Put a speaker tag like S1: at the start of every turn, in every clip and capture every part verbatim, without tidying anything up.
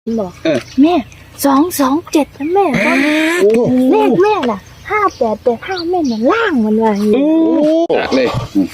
S1: บอกแม่สองสองเจ็ดนะแม่เลขแม่ล่ะห้าแปดแปดห้าแม่น่ะล่างมันว่าอย่างนี้
S2: เลย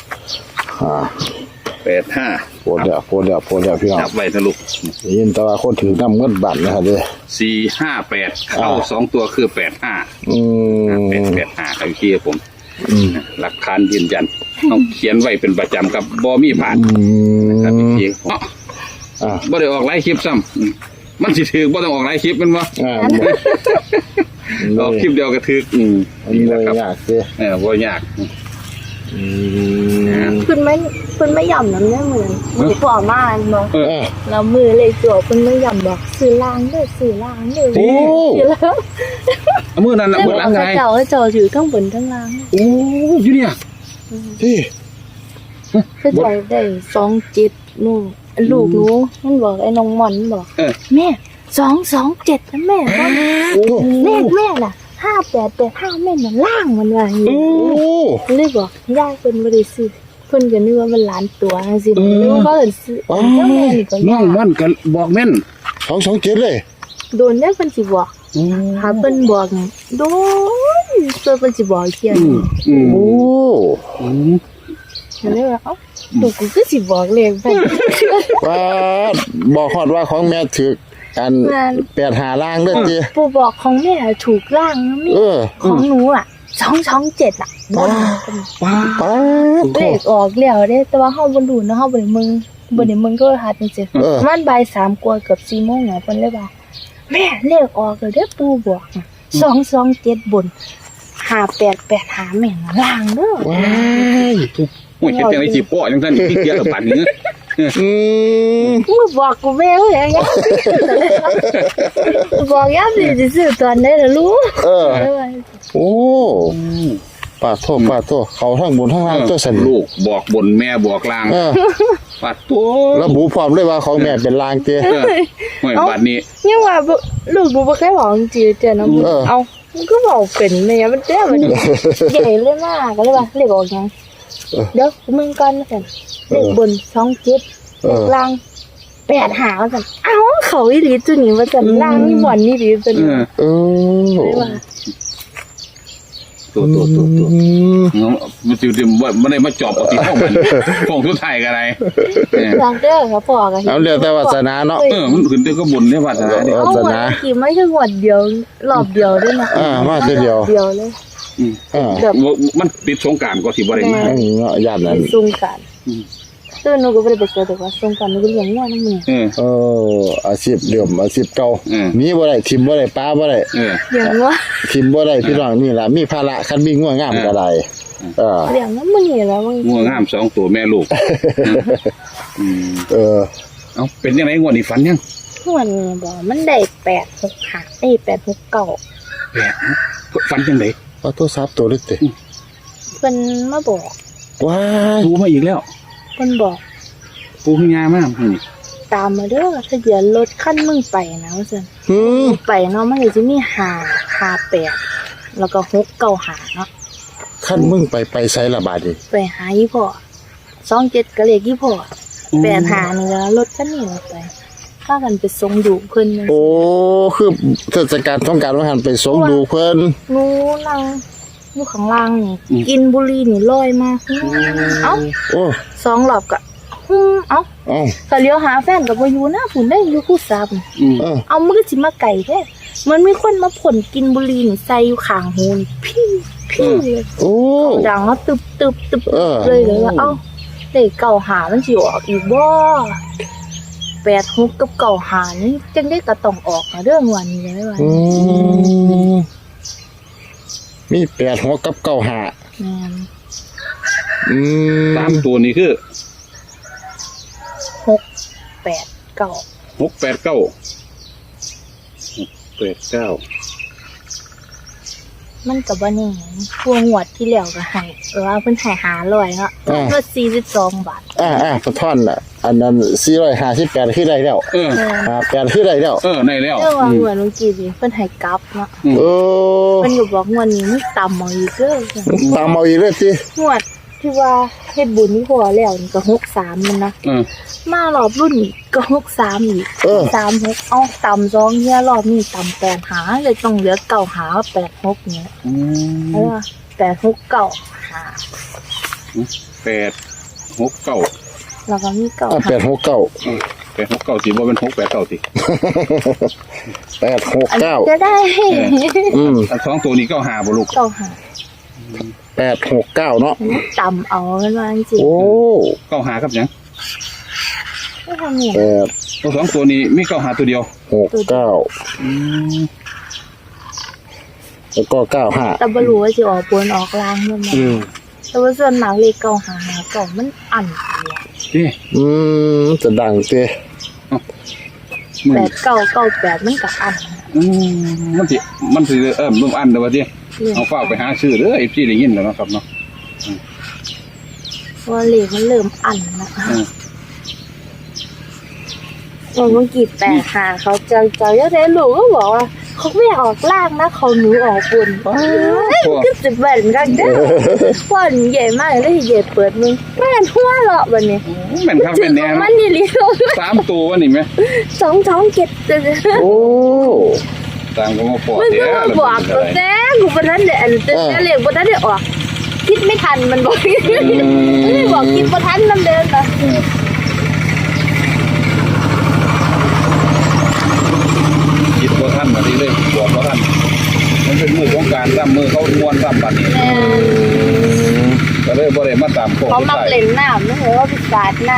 S2: แปดห้า
S3: โปรดเดียวโปรดเดียวโปรดเดียวพี่น้อง
S2: จับไว้ทะลุ
S3: ยินแต่ว่าคนถือน้ำเงินบัตรนะครับเลย
S2: สี่ห้าแปดเข้าสองตัวคือแปดห้า
S3: อืม
S2: แปดแปดห้าครับพี่ผมหลักฐานยืนยันต้องเขียนไว้เป็นประจำกับบอมี่ผ่านครับพี่เนาะบ่ได้ออกไลฟ์คลิปซ้ำมันสิถือบ่ต้องออกไลฟ์คลิปมันวะออกคลิปเดียวก็ถืออืม
S3: นี่แหละครับยากเลย
S2: เออบ่ยาก
S1: คุณไม่คุณไม่ย่ำน้ำเนี่ยเหมือนมือฝ่อมากเนาะเรามือเลยจั่วคุณไม่ย่ำบอกสื่อล่างด้วยสื่อล่างด้วยโอ้แล้ว
S2: มือนั้นน่ะมือล่างไง
S1: เจ้าเจ้าถือข้างบนข้างล่าง
S2: โอ้ยเนี่ย
S3: ที่
S1: คือใจได้สองจิตนู่ลูกหนูมันบอกไอ้น้องหมอนบอกแม่สองสองเจ็ดนะแม่เลขแม่ล่ะห้าแปดแปดห้าแม่น่ะล่างมันว่าอย่างนี้เลยบอกย่าเป็นบริสุทธิ์เพิ่นก็นึกว่ามันล้านตัวสินึกว่าเขาเห็นซื้อแล้วแม่นี่ก็
S2: น้องมันก็บอกแม่น
S3: สองสองเจ็ดเลย
S1: โดนได้เพิ่นสิบอกหาเพิ่นบอกโดนเพิ่นเพิ่นสิบอกเที่ยง
S3: โอ้
S1: เลยว่าเอ้าดูกูคือสิบอกเลขไป
S3: ว่าบอกฮอดว่าของแม่ถืออันแปดหาล่างด้วยจี
S1: ปู่บอกของแม่ถูกล่างนะมี่ของหนูอ่ะสองสองเจ็ดอ่ะ
S3: ป้าป้า
S1: เลขออกแล้วเด้แต่ว่าเฮาบ่รู้นะเฮาบ่ได้มึงบ่ได้มึงก็หาจังซี่มันบ่ายสามกว่าเกือบสี่โมงแล้วเพิ่นเลยว่าแม่เลขออกแล้วเด้อปู่บอกสองสองเจ็ดบนห้าแปดแปดห้าแม่นล่างเด้อ
S3: ว้าย
S2: โอ้ยเฮ็ดจังได๋สิป้อจังซั่นขี้เกียจปั่นนี่
S3: อืม
S1: มึงบอกกูแม่เอ้ยบอกย่าสิสิซื้อตอนไหนล่ะลูก
S3: เออโอ้ป้าโทษป้าโทษเขาทั้งบนทั้งล่างตัวสั่น
S2: ลูกบอกบนแม่บอกล่างป้าโต
S3: ระบุพร้อมเลยว่าของแม่เป็นล่างเจ้
S2: โอ้ยบัดนี้
S1: ยังว่าลูกบ่บ่เคยบอกจริงๆเจ้านะเอ้ามันก็บอกเป็นแม่มันแท้มันใหญ่เลยมากก็เลยว่าเลขออกยังเดี๋ยวมึงก่อนสั่นเลขบนสองเจ็ดเลขล่างแปดหาสั่นเอ้าเขาอีหลีตัวนี้ว่าสั่นล่างนี่บ่อนนี่ดิเป็น
S3: เออ
S2: ตัวตัวตัวตัวมันสิเดี๋ยวบ่ได้มาจอบเอาที่ห้องมันห้องสุดท้ายก็ได้
S1: หลังเด้อครับพ่อก็
S3: เอาเรียกแต่วาสนาเนาะ
S2: เออมันขึ้นแต่ก็บุญเนี่ยวาสนาเนี่ยว
S3: าสนา
S1: กี่ไม่ใช่หวดเดียวรอบเดียวด้วยนะ
S3: อ่ามาเดียว
S1: เดียวเลย
S2: อืมมันติดสงกรานต์ก็สิบ่ได้มา
S3: เนาะญาตินั้น
S1: สงกรานต์ตัวหนูก็บ่ได้ไปเจอแต่ว่าสงกรานต์หนูก็เลี้ยงง่ายนำแม่
S3: เออเอออาชีพเดิมอาชีพเก่ามีบ่ได้ทิ่มบ่ได้ป้าบ่ได้
S2: เออ
S1: เลี้ยงว่า
S3: ทิ่มบ่ได้พี่น้องนี่ล่ะมีภาระคันมีงัวงามก็ได้
S1: เออเลี้ยงนำมื้อนี้แล้ว
S2: งัวงามสองตัวแม่ลูก
S3: อืมเออ
S2: เอ้าเป็นจังได๋งวดนี้ฝันยัง
S1: งวดนี้บ่มันได้แปดหกห้าเอ้ยแปดหกเก้า
S2: แปดฝันจังได๋
S3: ว่าโทรศัพท์ตัวเล็กติ
S1: เพิ่นมาบอก
S3: ว้า
S2: ดูมาอีกแล้ว
S1: เพิ่นบอก
S2: ปูขึ้นยามากนี่
S1: ตามมาเด้อทะเบียนรถคันมึงไปนะว่าซั่นอือไปเนาะมันก็สิมีห้า ห้าแปดแล้วก็หก เก้า ห้าเนาะ
S3: คันมึงไปไปไสละบาดนี่
S1: ไปหาอีพ่อสองเจ็ดก็เลขอีพ่อแปดห้านี่ก็รถคันนี้ไปพากันไปส่งดูเพิ่น
S3: โอ้คือเทศกาลสงกรานต์ว่าหั่นไปส่งดูเพิ่น
S1: หนูนั่งอยู่ข้างล่างนี่กินบุหรี่นี่ลอยมาเอ้าโอ้สองรอบก็ฮึเอ้าเอ้าก็เลี้ยวหาแฟนก็บ่อยู่นะพุ่นได้อยู่คู่ซับเออเอามันก็สิมาไก่แท้มันมีคนมาพ่นกินบุหรี่นี่ใส่อยู่ข้างหูนี่พี่พี่เลยโอ้ดังแล้วตึบๆๆเลยเลยว่าเอ้าเลขเก้าห้ามันสิออกอีกบ่แปดหกกับเก้าห้านี่จังได้ก็ต้องออกมาเรื่องวันนี้เลยว่า
S3: มีแปดหกกับเก้าห้าแม่น
S2: อืมสามตัวนี้คือ
S1: หก แปด เก้า
S2: หก แปด เก้า หก แปด เก้า
S1: มันก็บ่แน่พวงงวดที่แล้วก็ให้เออเพิ่นให้ห้าร้อยเนาะก็สี่สิบสองบาท
S3: อ่าๆกระท่อนน่ะอันนั้นสี่ร้อยห้าสิบแปดคือได้แล้วเอออ่าแปดคือได้แล้ว
S2: เออได้แล้ว
S1: เออว่าเหมือนเมื่อกี้นี่เพิ่นให้กลับเนาะ
S3: เออ
S1: เพิ่นก็บอกงวดนี้มันต่ำเอาอีกเด้อ
S3: ต่ำเอาอีกเลยติ
S1: งวดที่ว่าเฮ็ดบุญนี่พอแล้วนี่ก็หกสามมันนะ
S2: เออ
S1: มารอบรุ่นอีกก็หกสามอีก
S3: เออ
S1: สามหกเอาต่ำสองเฮียรอบนี้ต่ำแปดหาเลยต้องเหลือเก้าหาแปดหกเนี่ย
S2: อื
S1: เพราะ
S2: ม
S1: ว่าแปดหกเก้าหา
S2: แปดหกเก้า
S1: แล้วก็มีเก้า
S3: อ่ะ
S1: หา
S3: แปดหกเก้า
S2: แปดหกเก้าสิบ่เป็นหกแปดเก้าสิ
S3: แปดหก
S1: อัน
S3: เก้า
S1: นี้จะได้
S3: อืม
S2: อันสองตัวนี้เก้าหาบ่ลูก
S1: เก้าหา
S3: แปดหกเก้าเนาะ
S1: มันต่ำเอากันมาจริง
S3: โอ้
S2: เก้าหาครับหยัง
S1: ๆไม่ทำเนี่ย
S3: แปด
S2: ตัวสองตัวนี้มีเก้าหาตัวเดียว
S3: หกเก้า
S2: อืม
S3: แล้วก็เก้าห้า
S1: แต่บรู้ว่าจะออกบนออกล่างเมื่อไหร่
S2: อืม
S1: แต่ว่าส่วนมากเลขเก้าหาหาเก้ามันอันเลย
S2: นี่
S3: อืมจะดังเต้
S2: มึง
S1: แปดเก้าเก้าแปดมันกับอัน
S2: อืมมันสิมันสิเอิ่มร่วมอันเด้อว่าติ
S1: เนี่ย
S2: เอาฝากไปหาซื้อเด้อไอ้พี่ได้ยินแล้วเนาะครับเนาะ
S1: ว่าเลขมันเริ่มอันนะ
S2: อืม
S1: เมื่อกี้แปดหาเขาเจอเจอเยอะเลยลูกก็บอกว่าเขาไม่ออกล่างนะเขาหนูออกบนก็จะแบ่งกันเด้อพ่อนใหญ่มากเลยใหญ่เปิดมึงแม่นหัวเราะแบบนี้
S2: แม่นครับ
S1: ถึ
S2: เป็
S1: ง
S2: นแน่
S1: มันนี่ลิโ
S2: สามตัววะนี่แม่
S1: สองท้องเก็บจะ
S3: โอ้
S2: ตามก็มาปอด
S1: มัน
S2: เด้
S1: ก็
S2: อ
S1: มาบอกตัวแท้กูบนนั้นเดี๋ยวเดี๋ยวเรียกบนนั้นเดี๋ยวออกคิดไม่ทันมันบอกไม่บอกคิดบนทันน้ำเดินนะ
S2: คิดบ่ทันมาทีเลยบอกบ่ทันมันเป็นมือของการซ้ำมือเขาม้วนซ้ำบัดนี้
S1: แม่
S2: ก็เลยบ่ได้มาตามโค้ง
S1: เขามักเล่นน้ำไม่เหรอว่าพิการน้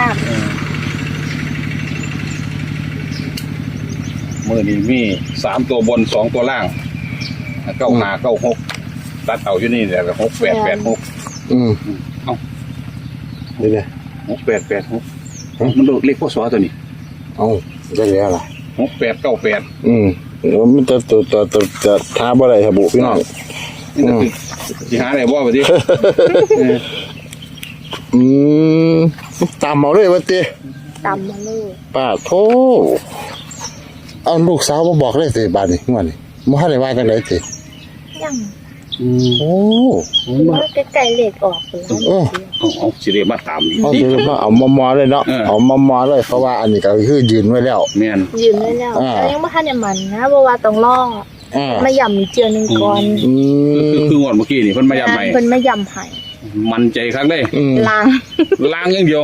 S2: มือนี้มีสามตัวบนสองตัวล่างเก้าห้าเก้าหกตัดเอาอยู่นี่แหละหกแปดแปดหก
S3: อืม
S2: เอ้า
S3: นี่เลย
S2: หกแปดแปดหกมันโดดเลขพศตัวนี้
S3: เอาได้แล้วล่ะ
S2: หกแปดเก้าแปด
S3: อืมแล้วมันจะตัวตัวตัวจะท้าบ่ได้ครับบุพี่น้อง
S2: นี่ก็คือสิหาอะไรบ่ไปดิ
S3: อืมตามเอาเลยวะเต้
S1: ำตำมาเลย
S3: ป้าโทเอาลูกสาวมาบอกเลยสิบาดนี่งวดนี่บ่ทันได้ว่าจังได๋สิ
S1: ยัง
S3: โอ้
S1: ว่าใกล้ๆเหล็กออกแล้ว
S3: เออ
S2: เอาเอาสิเรียมาตามนี่
S3: เอาเดี๋ยวมาเอามามอเลยเนาะ
S2: เออ
S3: เอามามอเลยเพราะว่าอันนี้ก็คือยืนไว้แล้ว
S2: แม่น
S1: ยืนได้แล้ว
S3: อ่า
S1: แต่ยังไม่ทันได้มันนะเพราะว่าต้องล่อ
S3: อ่า
S1: มาย่ำอีกเจือหนึ่งก่อน
S3: อื
S2: คือ
S3: ม
S2: คืองวดเมื่อกี้นี่เพิ่นมาย้ำใหม่
S1: เพิ่นมาย่ำให้
S2: มันใจครั้งได้
S3: อืม
S1: ล้าง
S2: ล้างอย่างเดียว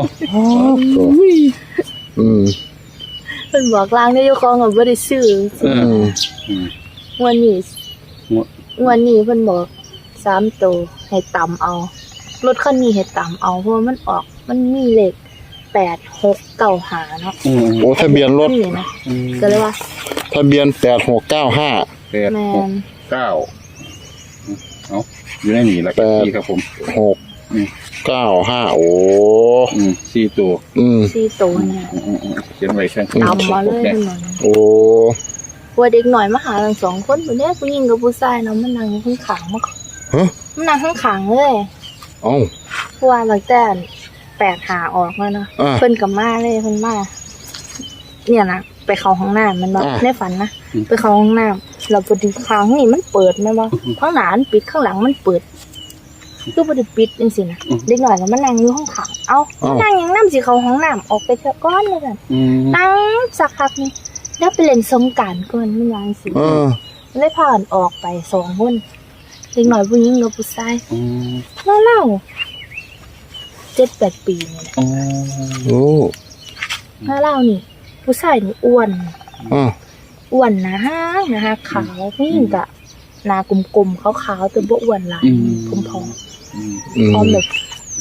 S3: อืม
S1: เพิ่นบอกล้างได้เจ้าของก็บ่ได้ซื้อ
S2: เอ
S3: อื
S2: อ
S3: ม
S2: อืม
S1: วันนี้
S2: งวด
S1: วันนี้เพิ่นบอกสามตัวให้ต่ำเอารถคันนี้ให้ต่ำเอาเพราะว่ามันออกมันมีเลขแปดหกเก้าหาเนาะ
S2: อืม
S3: โอ้ทะเบียนรถ
S1: นี่นะก็เลยว่า
S3: ทะเบียนแปดหกเก้าห้า
S2: แปด
S1: แม
S2: หก
S1: น
S2: เก้าเอาอยู่ในนี่แหละ
S3: แปด
S2: พี่ครับผม
S3: หกเก้าห้าโอ้
S2: อืมสี่ตัว
S3: อืม
S1: สี่ตัวเนี่ย
S2: อืมอืมอืมเขียนไว้แค่
S1: ต่ำมาเลยเพิ่นบอก
S3: โอ้
S1: ว่าเด็กหน่อยมาหาทั้งสองคนคนนี้ผู้หญิงกับผู้ชายเนาะมันนั่งข้างขางมา
S3: ฮะ
S1: มันนั่งข้างขางเลย
S3: เอ้า
S1: เพราะว่าหลังแต่แปดหาออกมาเนาะ
S3: อ่า
S1: เพิ่นกับมาเลยเพิ่นมาเนี่ยนะไปเข้าห้องน้ำมันบอก
S3: อ่า
S1: ในฝันนะไปเข้าห้องน้ำเราพอดีข้างนี่มันเปิดไหมวะข้างหน้ามันปิดข้างหลังมันเปิดคือพอดีปิดจังสินะเด็กหน่อยแล้วมันนั่งอยู่ห้องขางเอ้านั่งยังน้ำสิเข้าห้องน้ำออกไปเถอะก้อนเลยกัน
S2: อืม
S1: นั่งสักพักนึงแล้วไปเล่นสงกรารก่อนมันวางสิ
S3: เออ
S1: เลยผ่านออกไปสองคนเด็กหน่อยผู้หญิงกับผู้ชาย
S2: อืม
S1: เล่าเล่าเจ็ดแปดปีเนี่ย
S2: อ๋อ
S3: โอ้
S1: เล่าเล่านี่ ผู้ชายนี่อ้วน
S3: อ่า
S1: อ้วนนะฮะนะฮะขาวผู้หญิงกะหนากลมๆขาวๆแต่บ่อ้วนหลายผอม
S2: อืม
S3: อื
S1: ๆ
S3: ม
S1: พร้อมแบบ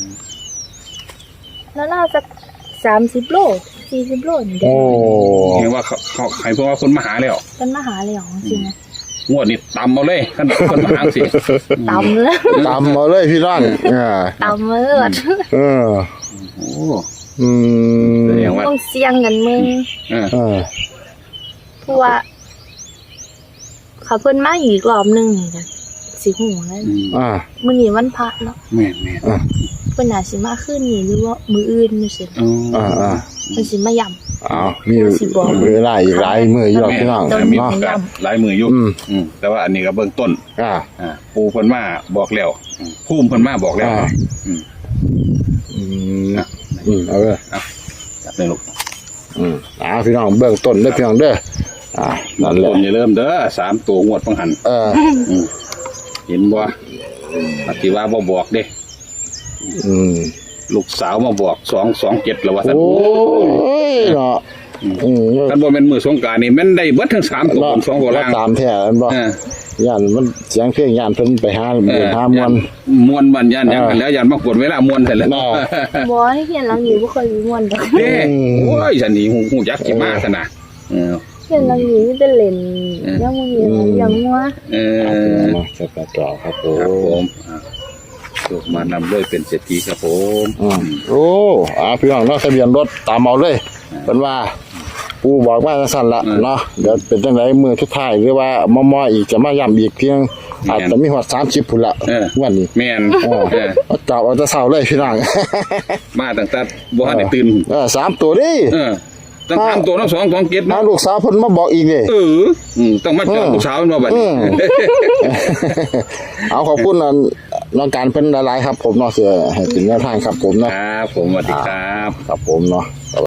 S1: แล้วน่าจะสามสิบโลสี่สิบโลนี่เด็ก
S3: โอ้
S2: เห็นว่าเขาเขาใครเพราะว่าคนมาหาแล้ว
S1: เป็นมหาเลยเหรอจริงๆนะ
S2: งวดนี้ตำเอาเลยขั้นคนมาหาสิ
S1: ตำเลย
S3: ตามมาเลยพี่ร่างอ่า
S1: ตำเลย
S3: เออ
S2: โอ้
S3: อืม
S2: แสดงว่า
S1: ต้องเสี่ยงกันมึง
S2: เออ
S3: อ่า
S1: เพราะว่าเขาเพิ่นมาอีกรอบหนึงนี่กันสิหูแล้ว
S2: อืม
S3: อ่า
S1: มื้อนี้วันพระเนาะ
S2: แม่นแม่น
S3: อ่า
S1: เพิ่นน่าสิมาคืนนี้หรือว่ามื้ออื่นนี่สิ
S2: อ๋อ
S3: อ่าอ่า
S1: เพิ่นสิมาย่ำ
S3: อ้าวมีเวลาอีกหลายมื้ออยู่หรอกพี่น้อง
S2: แม่มี
S3: เนาะ
S2: โอกาสหลายมืออยู่
S3: อืม
S2: อืมแต่ว่าอันนี้ก็เบื้องต้น
S3: อ่า
S2: อ่าปูเพิ่นมาบอกแล้วอืมภูมิเพิ่นมาบอกแล้ว
S3: อ่า
S2: อืม
S3: อืมอืมเอาเลย
S2: จับเลยลูก
S3: อืมอ่าพี่น้องเบื้องต้นเด้อพี่น้องเด้ออ่านั่นแหละ
S2: ต้นอย่าเริ่มเด้อสามตัวงวดพังหัน
S3: เออ
S2: เห็นบ่ปฏิว่าบ่บอกเด้
S3: อืม
S2: ลูกสาวมาบอกสองสองเจ็ดแล้วว่าสัน
S3: โอ้ยเนาะอืม
S2: ท่านบ่แม่นมือสงกรานต์นี่แม่นได้เบิดทั้งสามตัวบนสองตัวล่าง
S3: ตามแท้อันบ่
S2: เออย่
S3: านมันเสียงเพลงย่านเพิ่นไปหา
S2: เอ
S3: เดิ
S2: อน
S3: หามวน
S2: มวนมันยันยังกันแล้วยันมากดเวลามวนเสร็จแล้ว
S3: น่ะ
S1: บ่ให้เฮียนหลังนี้บ่เคยมีม่วนดอก
S2: เด้โอ้ยฉันนี่หูหูยักษ์กี่มากขนาดเออ
S1: เฮียนหลังนี้มีแต่เล่นยังบ่มียังงัว
S2: เออ
S3: มาจัดต่อครับผ
S2: ครับผม
S3: ม
S2: อ่าลูกมานำด้วยเป็นเศรษฐีครับผม
S3: อืมโอ้อ่าพี่น้องเนาะทะเบียนรถตามเอาเลยเป็นว่าปูบอกมาจังซั่นละเนาะเดี๋ยวเป็นจังไดมือทุดท้ายหรือว่ามอๆอีกจะมาย้ำอีกเพียงอาจจะมีฮอดสามสิบพุ่นละวันนี้
S2: แม่น
S3: เออ
S2: เออ
S3: เอาจับเอาแต่เช้าเลยพี่น้อง
S2: มาตั้งแต่บ่ทันได้ตื่น
S3: เออสามตัวดิ
S2: เออตั้งสามตัวทั้งสองสองเจ็ด
S3: น้า
S2: เนาะ
S3: ลูกสาวเพิ่นมาบอกอีกเลย
S2: เอออืมต้องมาเจอลูกสาวเนาะบัด
S3: อื
S2: นี้
S3: ม เอาขอบคุณน้องน้องการเพิ่นหลายๆครับ ผมเนาะเสือให้เป็นแนวทางครับผมเนาะ
S2: ครับผมสวัสดีครับ
S3: ครับผมเนาะ